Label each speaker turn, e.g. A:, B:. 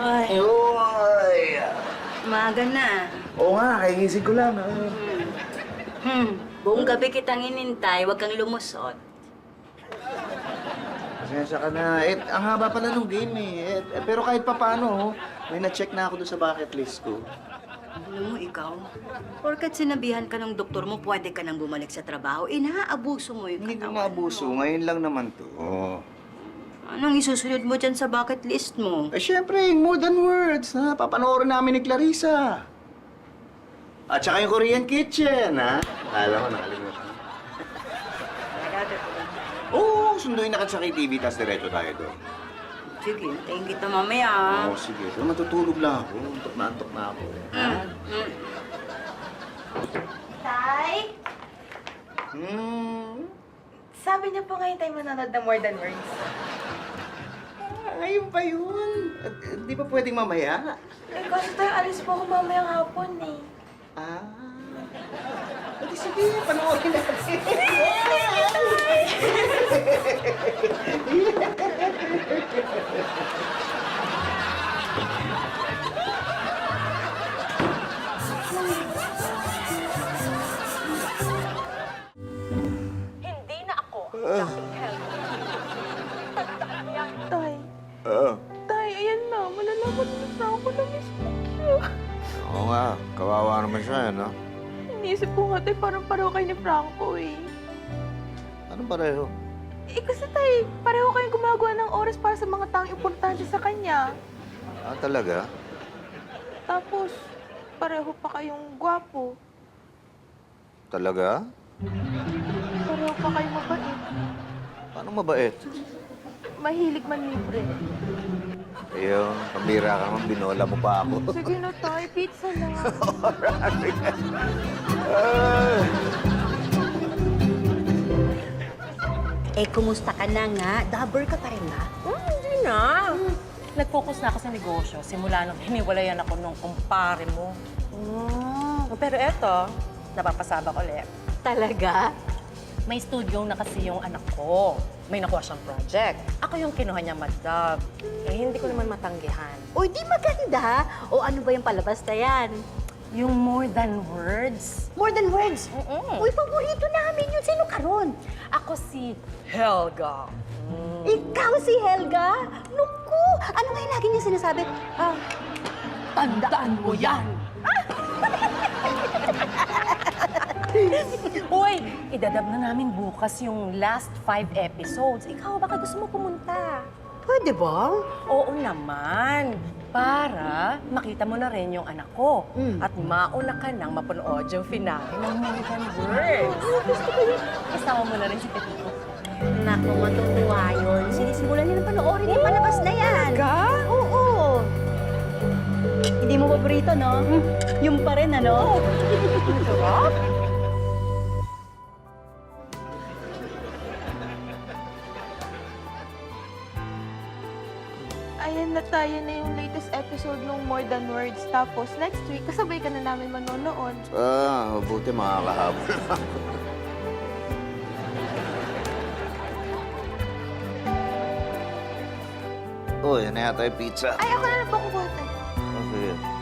A: Ay,
B: Uy!
A: umaga na.
B: Oo nga, kaingising ko lang.
A: Buong gabi kitang inintay, huwag kang lumusot.
B: Pasensya ka na. Ang haba pala nung game pero kahit pa paano, may na-check na ako doon sa bucket list ko.
A: Alam mo, ikaw, porkat sinabihan ka ng doktor mo, pwede ka nang bumalik sa trabaho, inaabuso mo yung
B: Hindi ko
A: katawan
B: maabuso.
A: mo.
B: Ngayon lang naman to.
A: Anong isusunod mo dyan sa bucket list mo?
B: Syempre, yung More Than Words, na papanoorin namin ni Clarissa. At saka yung Korean Kitchen, ha? Alam mo, nakalimutan. Oo, sunduin na ka sa KTV, tapos diretso tayo doon.
A: Sige, hintayin kita mamaya.
B: Oo, sige. Pero matutulog lang ako. Antok na ako.
C: Tay? Sabi niyo po ngayon tayo manonood ng More Than Words.
B: Ngayon pa yun. Di ba pwedeng mamaya?
C: Eh, kasi tayo alis po ako mamayang hapon eh.
B: Pwede sige, panoorin natin.
D: Hindi na ako ang dating Helga. Tandaan niya.
C: Tay,
B: Oo.
C: tay, ayan na. Malalaman na ako na miss ko siya.
B: Oo nga, kawawa naman siya, no?
C: Iniisip ko nga, tay, parang pareho kayo ni Franco eh.
B: Anong pareho?
C: Eh, kasi tay, pareho kayong gumagawa ng oras para sa mga taong importante sa kanya.
B: Talaga?
C: Tapos, pareho pa kayong gwapo.
B: Talaga?
C: Pareho pa kayong mabait.
B: Paano mabait?
C: Mahilig man libre.
B: Ayun, pambira ka naman, binola mo pa ako.
C: Sige na, tay. Pizza na.
A: Eh, kumusta ka na nga? Dabber ka pa rin ba?
D: Hindi na. Nag-focus na ako sa negosyo simula nung hiniwalayan ako nung kumpare mo. Pero eto, napapasabak ulit.
A: Talaga?
D: May studio na kasi yung anak ko. May nakuha siyang project. Ako yung kinuha niya madab. Eh, hindi ko naman matanggihan.
A: Uy, di maganda. O ano ba yung palabas na yan?
D: Yung More Than Words.
A: More Than Words.
D: Mm-mm.
A: Uy, paborito namin yun. Sino ka ron?
D: Ako si Helga.
A: Ikaw si Helga? Naku! Ano nga yung lagi niya sinasabi?
D: Tandaan mo yan! Uy, idadab na namin bukas yung last 5 episodes. Ikaw, baka gusto mo pumunta?
A: Pwede ba?
D: Oo naman. Para makita mo na rin yung anak ko. At mauna ka nang mapanood yung finale ng More Than Words. Gusto ko yun. Kasama mo na rin si Pepito.
A: Naku, matutuwa yun. Sinisimulan niya ng panoorin yung palabas na yan.
D: Ka?
A: Oo. Hindi mo paborito, no? Yung pa rin, ano?
D: Sarap?
C: Ayan na tayo na yung latest episode ng More Than Words. Tapos, next week, kasabay ka na namin manonood.
B: Mabuti makakahabol na ako. Uy, ano yata yung pizza?
C: Ay, ako na lang po kukuha tayo.
B: Sige.